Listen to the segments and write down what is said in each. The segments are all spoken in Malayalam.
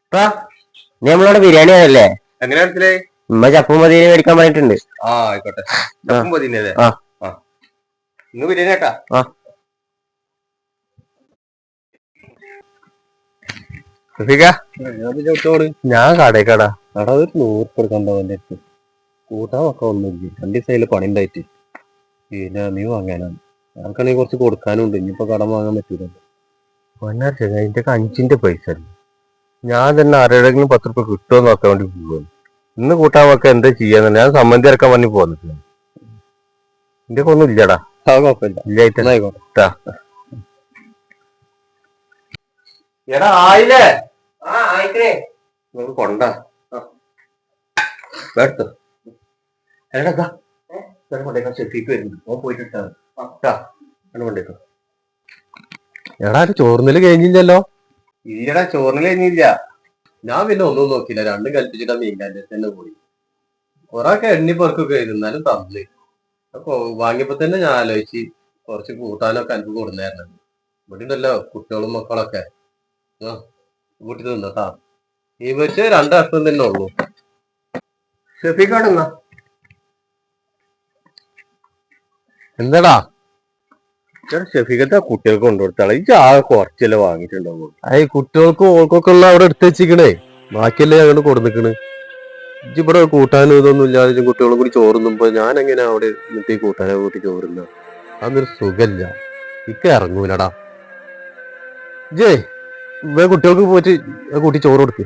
നീ നമ്മളവിടെ ബിരിയാണി ആണല്ലേ? എങ്ങനെ മനസ്സിലായി? ഉമ്മ ചപ്പും മതിയെ മേടിക്കാൻ പറഞ്ഞിട്ടുണ്ട്. ആ ആയിക്കോട്ടെ. ചപ്പും മതിയല്ലേ? ഇന്ന് ബിരിയാണി കേട്ടാ. ഞാൻ കടേക്കടാ. എടാ ഒരു 100 കൊടുക്കണ്ടോ എന്റെ അടുത്ത്? കൂട്ടാൻ ഒക്കെ ഒന്നുമില്ല. 2 ദിവസമായില് പണി ഉണ്ടായിട്ട്. പിന്നെ നീ വാങ്ങാനാണ്. ഞങ്ങൾക്കാണെങ്കിൽ കുറച്ച് കൊടുക്കാനും ഉണ്ട്. ഇനിയിപ്പോ കടം വാങ്ങാൻ പറ്റൂലല്ലോ. അതിന്റെ 5ന്റെ പൈസ ഞാൻ തന്നെ ആരുടെങ്കിലും 10 രൂപ കിട്ടുമോ നോക്കാൻ വേണ്ടി പോകുന്നു. ഇന്ന് കൂട്ടാൻ വെക്ക എന്താ ചെയ്യാന്ന് ഞാൻ സമ്മതി ഇറക്കാൻ വേണ്ടി പോന്നിട്ടില്ല. എന്റെ ഒന്നും ഇല്ലടാ. കുഴപ്പമില്ല. എടാ ആയില്ലേ? കൊണ്ട എടാ ചോറിനല് കഴിഞ്ഞില്ലല്ലോ? ഇല്ലടാ ചോറിന് കഴിഞ്ഞില്ല. ഞാൻ പിന്നെ ഒന്നും നോക്കില്ല. രണ്ടും കൽപ്പിച്ചിട്ടാ മീൻകാൻ്റെ തന്നെ പോയി. കൊറേയൊക്കെ എണ്ണി പെറുക്കൊക്കെ ഇരുന്നാലും തന്നില്ല. അപ്പൊ വാങ്ങിയപ്പോ തന്നെ ഞാൻ ആലോചിച്ച് കുറച്ച് കൂട്ടാനൊക്കെ എനിക്ക് കൊടുന്നായിരുന്നു. ഇവിടെ ഉണ്ടല്ലോ കുട്ടികളും മക്കളൊക്കെ. കൂട്ടി തിന്നട്ടാ. ഈ വെച്ച് 2 കഷ്ണം തന്നെ ഉള്ളൂ. ഷെഫിക്കാടെന്നാ എന്താടാ? ഷെഫിക്കത്തെ കുട്ടികൾക്ക് കൊണ്ടുകൊടുത്താളെ. ഈ ആകെ കുറച്ചല്ലേ വാങ്ങിയിട്ടുണ്ടാവും. ഈ കുട്ടികൾക്കും ഓൾക്കൊക്കെ ഉള്ള അവിടെ എടുത്ത് വെച്ചിക്കണേ. ബാക്കിയല്ലേ അങ്ങോട്ട് കൊടുന്നിക്കണ്. ഇവിടെ കൂട്ടാനും ഇതൊന്നും ഇല്ലാതെ കുട്ടികളും കൂടി ചോറുന്നുമ്പോ ഞാൻ എങ്ങനെ അവിടെ എന്നിട്ട് ഈ കൂട്ടാനെ കൂട്ടി ചോറുന്ന? അതൊരു സുഖല്ല. ഇക്ക ഇറങ്ങൂലടാ. ജേ കുട്ടികൾക്ക് പോയിട്ട് കൂട്ടി ചോറ് കൊടുക്ക്.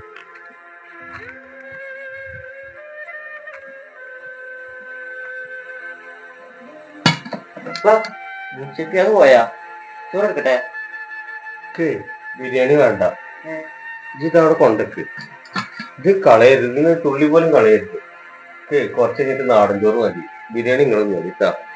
പോയാ ചോറെടുക്കട്ടെ? ബിരിയാണി വേണ്ട. ഇതവിടെ കൊണ്ടക്ക്. ഇത് കളയരുത്. നിങ്ങൾ തുള്ളി പോലും കളയരുത്. കുറച്ച് കഴിഞ്ഞിട്ട് നാടൻ ചോറ് മതി. ബിരിയാണി നിങ്ങളും മതിട്ടാ.